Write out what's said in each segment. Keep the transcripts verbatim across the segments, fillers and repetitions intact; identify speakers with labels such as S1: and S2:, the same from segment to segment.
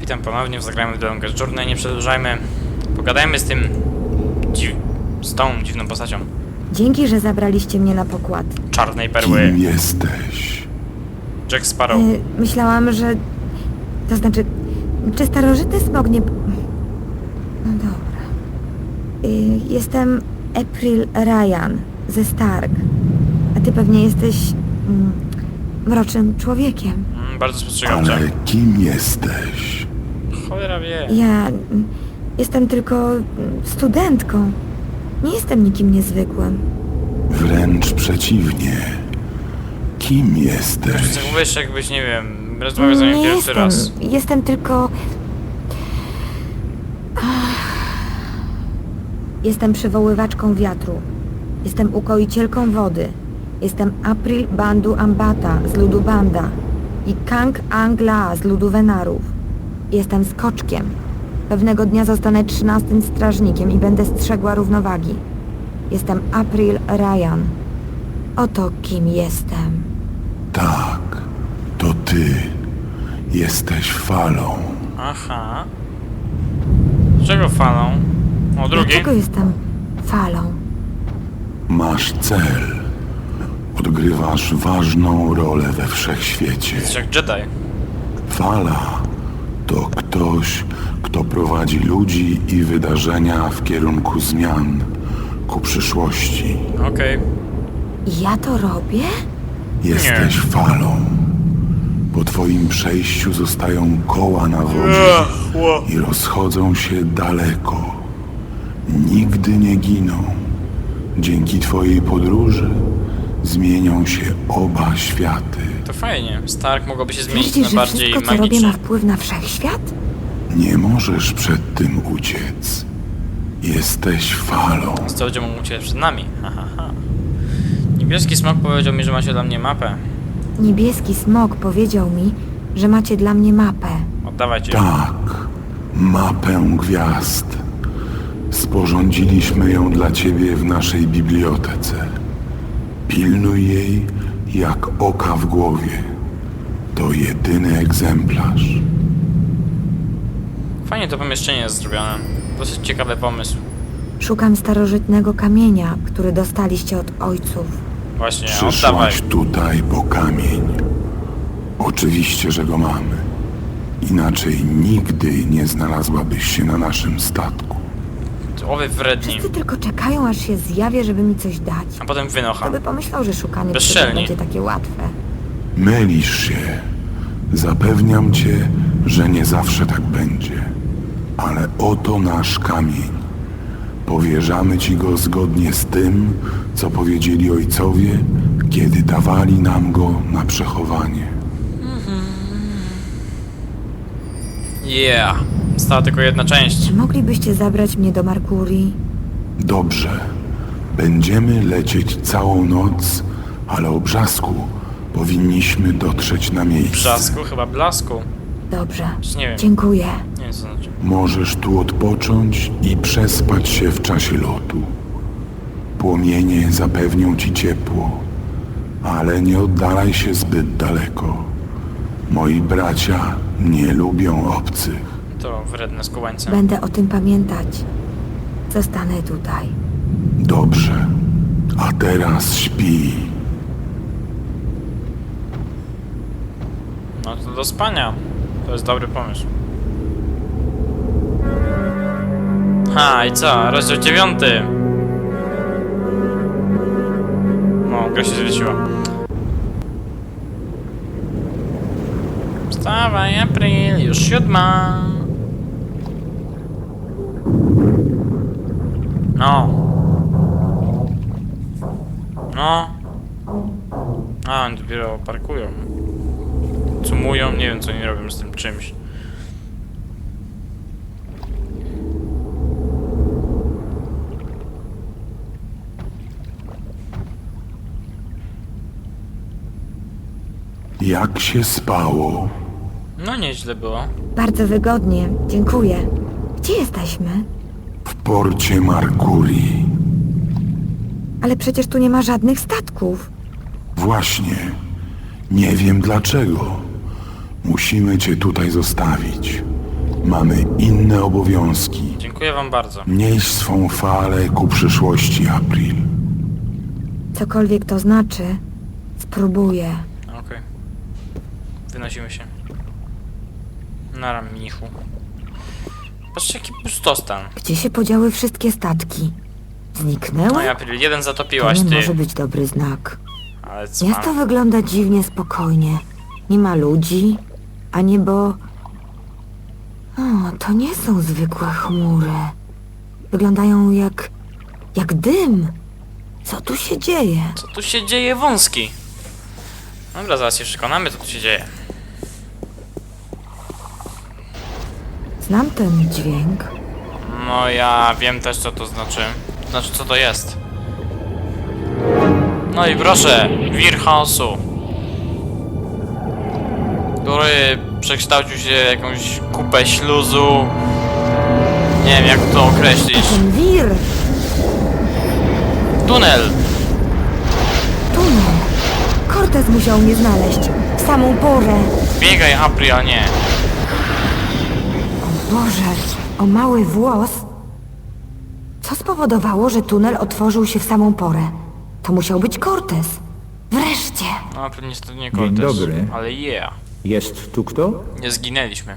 S1: Witam ponownie, zagrajmy w The Longest Journey, nie przedłużajmy. Pogadajmy z tym... Dziw... z tą dziwną postacią.
S2: Dzięki, że zabraliście mnie na pokład.
S1: Czarnej perły.
S3: Kim jesteś?
S1: Jack Sparrow.
S2: Y, myślałam, że... To znaczy... Czy starożytny smok nie... No dobra. Y, jestem April Ryan ze Stark. A ty pewnie jesteś... Mm, mrocznym człowiekiem.
S1: Mm, bardzo spostrzegawcza.
S3: Ale kim jesteś?
S1: Cholera wie.
S2: Ja... mm, Jestem tylko mm, studentką. Nie jestem nikim niezwykłym.
S3: Wręcz przeciwnie. Kim jesteś?
S1: Zachowujesz się jakbyś, nie wiem, rozmawiał z nami
S2: Nie
S1: pierwszy
S2: jestem.
S1: raz.
S2: Jestem tylko... Jestem przywoływaczką wiatru. Jestem ukoicielką wody. Jestem April Bandu Ambata z ludu Banda i Kang Angla z ludu Wenarów. Jestem skoczkiem. Pewnego dnia zostanę trzynastym strażnikiem i będę strzegła równowagi. Jestem April Ryan. Oto kim jestem.
S3: Tak, to ty. Jesteś falą.
S1: Aha. Czego falą? O, drugi.
S2: Dlaczego jestem falą?
S3: Masz cel. Odgrywasz ważną rolę we wszechświecie.
S1: Jesteś jak Jedi.
S3: Fala to ktoś, kto prowadzi ludzi i wydarzenia w kierunku zmian ku przyszłości.
S1: Okej.
S2: I ja to robię?
S3: Jesteś
S1: Nie.
S3: falą. Po twoim przejściu zostają koła na wodzie i rozchodzą się daleko. Nigdy nie giną. Dzięki twojej podróży zmienią się oba światy.
S1: To fajnie. Stark mogłoby się zmienić
S2: Twierdzisz,
S1: na
S2: że
S1: bardziej
S2: wszystko, co robię,
S1: magiczne.
S2: ma wpływ na wszechświat?
S3: Nie możesz przed tym uciec. Jesteś falą.
S1: Co będzie mógł uciec przed nami? Ha, ha, ha. Niebieski smok powiedział mi, że macie dla mnie mapę.
S2: Niebieski smok powiedział mi, że macie dla mnie mapę.
S1: Oddawajcie.
S3: Tak, mapę gwiazd. Sporządziliśmy ją dla ciebie w naszej bibliotece. Pilnuj jej jak oka w głowie. To jedyny egzemplarz.
S1: Fajnie to pomieszczenie jest zrobione. Dosyć ciekawy pomysł.
S2: Szukam starożytnego kamienia, który dostaliście od ojców.
S1: Właśnie, oddawaj.
S3: Przyszłaś tutaj po kamień. Oczywiście, że go mamy. Inaczej nigdy nie znalazłabyś się na naszym statku.
S1: Owy wredni.
S2: Wszyscy tylko czekają, aż się zjawię, żeby mi coś dać.
S1: A potem wynocha.
S2: Kto by pomyślał, że szukanie
S1: Bezczelni.
S2: przygód będzie takie łatwe.
S3: Mylisz się. Zapewniam cię, że nie zawsze tak będzie. Ale oto nasz kamień. Powierzamy ci go zgodnie z tym, co powiedzieli ojcowie, kiedy dawali nam go na przechowanie.
S1: Yeah. Została tylko jedna część.
S2: Czy moglibyście zabrać mnie do Markurii?
S3: Dobrze. Będziemy lecieć całą noc, ale o brzasku powinniśmy dotrzeć na miejsce.
S1: Brzasku, chyba blasku.
S2: Dobrze.
S1: Czy nie wiem.
S2: Dziękuję.
S1: Nie wiem co to znaczy.
S3: Możesz tu odpocząć i przespać się w czasie lotu. Płomienie zapewnią ci ciepło, ale nie oddalaj się zbyt daleko. Moi bracia nie lubią obcych.
S1: To wredne skubańce.
S2: Będę o tym pamiętać. Zostanę tutaj.
S3: Dobrze, a teraz śpi.
S1: No to do spania. To jest dobry pomysł. Ha, i co? Rozdział dziewiąty. No, gra się zwiesiła. Wstawaj, April, już siódma. No. No. A, oni dopiero parkują. Cumują, nie wiem co oni robią z tym czymś.
S3: Jak się spało?
S1: No nieźle było.
S2: Bardzo wygodnie. Dziękuję. Gdzie jesteśmy?
S3: W porcie Markurii.
S2: Ale przecież tu nie ma żadnych statków.
S3: Właśnie. Nie wiem dlaczego. Musimy cię tutaj zostawić. mamy inne obowiązki.
S1: Dziękuję wam bardzo.
S3: Nieś swą falę ku przyszłości, April.
S2: Cokolwiek to znaczy, spróbuję.
S1: Okej. Wynosimy się. Nara, mnichu. Patrzcie, jaki pustostan.
S2: Gdzie się podziały wszystkie statki? Zniknęły?
S1: No ja, jeden
S2: To
S1: zatopiłaś,
S2: nie
S1: ty.
S2: może być dobry znak.
S1: Ale co?
S2: Miasto wygląda dziwnie spokojnie. Nie ma ludzi, a niebo... O, to nie są zwykłe chmury. Wyglądają jak... jak dym. Co tu się dzieje?
S1: Co tu się dzieje, wąski? Dobra, zaraz się przekonamy, co tu się dzieje.
S2: Znam ten dźwięk.
S1: No ja wiem też, co to znaczy. Znaczy, co to jest. No i proszę, wir chaosu, który przekształcił się w jakąś kupę śluzu. Nie wiem, jak to określić.
S2: Ten wir!
S1: Tunel!
S2: Tunel! Cortez musiał mnie znaleźć. W samą porę.
S1: Biegaj, April, a nie.
S2: O Boże, o mały włos. Co spowodowało, że tunel otworzył się w samą porę? To musiał być Cortez. Wreszcie!
S1: No, April niestety nie
S4: Dzień
S1: Cortez.
S4: dobry.
S1: Ale yeah.
S4: Jest tu kto?
S1: Nie zginęliśmy.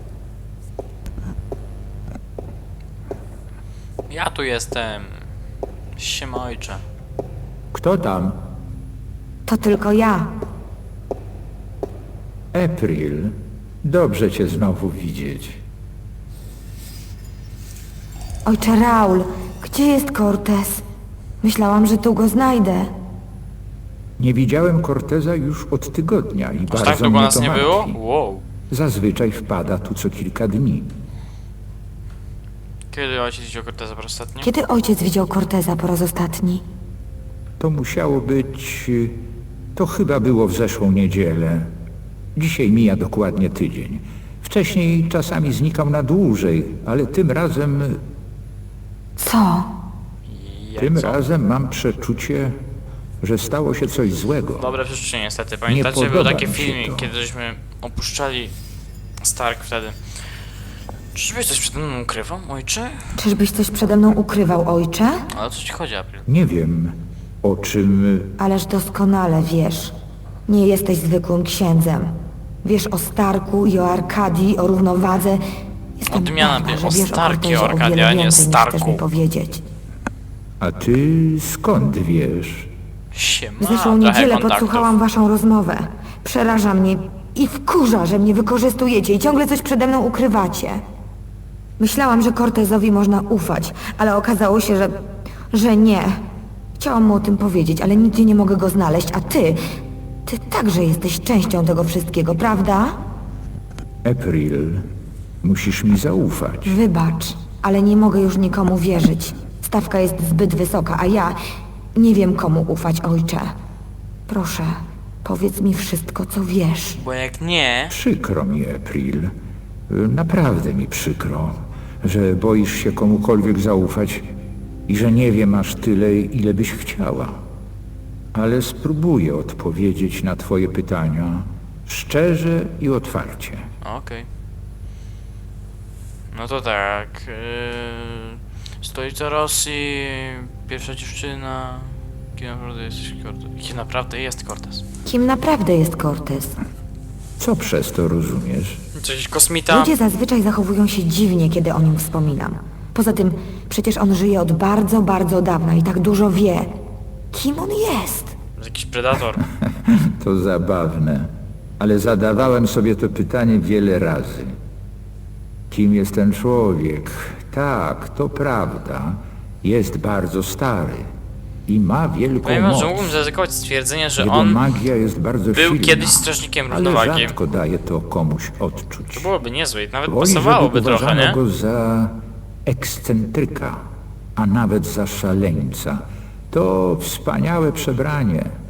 S1: Ja tu jestem. Siema, ojcze.
S4: Kto tam?
S2: To tylko ja.
S4: April. Dobrze cię znowu widzieć.
S2: Ojcze Raul, gdzie jest Cortez? Myślałam, że tu go znajdę.
S4: Nie widziałem Corteza już od tygodnia i
S1: Aż
S4: bardzo
S1: tak długo
S4: mnie
S1: nas
S4: to
S1: nie było?
S4: martwi.
S1: Wow.
S4: Zazwyczaj wpada tu co kilka dni.
S1: Kiedy ojciec widział Corteza po raz ostatni?
S2: Kiedy ojciec widział Corteza po raz ostatni?
S4: To musiało być... y, To chyba było w zeszłą niedzielę. Dzisiaj mija dokładnie tydzień. Wcześniej czasami znikał na dłużej, ale tym razem...
S2: Co?
S1: Jak
S4: Tym
S1: co?
S4: razem mam przeczucie, że stało się coś złego.
S1: Dobre przeczucie niestety. Pamiętacie,
S4: Nie
S1: był
S4: podoba
S1: taki
S4: mi się
S1: filmik,
S4: to.
S1: kiedy żeśmy opuszczali Stark wtedy. Czyżbyś coś przede mną ukrywał, ojcze?
S2: Czyżbyś coś przede mną ukrywał, ojcze?
S1: Ale o co ci chodzi, April?
S4: Nie wiem, o czym...
S2: Ależ doskonale wiesz. Nie jesteś zwykłym księdzem. Wiesz o Starku i o Arkadii, o równowadze. Jestem
S1: Odmiana
S2: pewna,
S1: wie-
S2: że
S1: o
S2: wiesz
S1: Starku i o
S2: Cortezie
S1: Arkadii,
S2: wiele
S1: a nie
S2: więcej, niż
S1: Starku.
S2: chcesz mi powiedzieć.
S4: A ty skąd wiesz?
S1: Siema,
S2: W zeszłą
S1: trochę
S2: niedzielę
S1: kontaktów.
S2: podsłuchałam waszą rozmowę. Przeraża mnie i wkurza, że mnie wykorzystujecie i ciągle coś przede mną ukrywacie. Myślałam, że Cortezowi można ufać, ale okazało się, że... że nie. Chciałam mu o tym powiedzieć, ale nigdzie nie mogę go znaleźć, a ty... Ty także jesteś częścią tego wszystkiego, prawda?
S4: April, musisz mi zaufać.
S2: Wybacz, ale nie mogę już nikomu wierzyć. Stawka jest zbyt wysoka, a ja nie wiem komu ufać, ojcze. Proszę, powiedz mi wszystko, co wiesz.
S1: Bo jak nie...
S4: Przykro mi, April. Naprawdę mi przykro, że boisz się komukolwiek zaufać i że nie wiem aż tyle, ile byś chciała. Ale spróbuję odpowiedzieć na twoje pytania szczerze i otwarcie.
S1: Okej. No to tak. Yy, stolica Rosji, pierwsza dziewczyna. Kim naprawdę jesteś Cortez? Kim naprawdę jest Cortez?
S2: Kim naprawdę jest Cortez?
S4: Co przez to rozumiesz?
S1: Coś kosmita?
S2: Ludzie zazwyczaj zachowują się dziwnie, kiedy o nim wspominam. Poza tym, przecież on żyje od bardzo, bardzo dawna i tak dużo wie. Kim on jest?
S1: Jakiś predator.
S4: To zabawne, ale zadawałem sobie to pytanie wiele razy. Kim jest ten człowiek? Tak, to prawda. Jest bardzo stary i ma wielką
S1: Powiem wam,
S4: moc.
S1: że mógłbym zaryzykować stwierdzenie, że
S4: Jego
S1: on
S4: magia jest bardzo
S1: był
S4: silna,
S1: kiedyś strażnikiem
S4: ale
S1: równowagi.
S4: rzadko daje to komuś odczuć.
S1: To byłoby niezłe i nawet
S4: Woli,
S1: pasowałoby
S4: żeby
S1: trochę,
S4: uważano
S1: nie?
S4: go za ekscentryka, a nawet za szaleńca. To wspaniałe przebranie.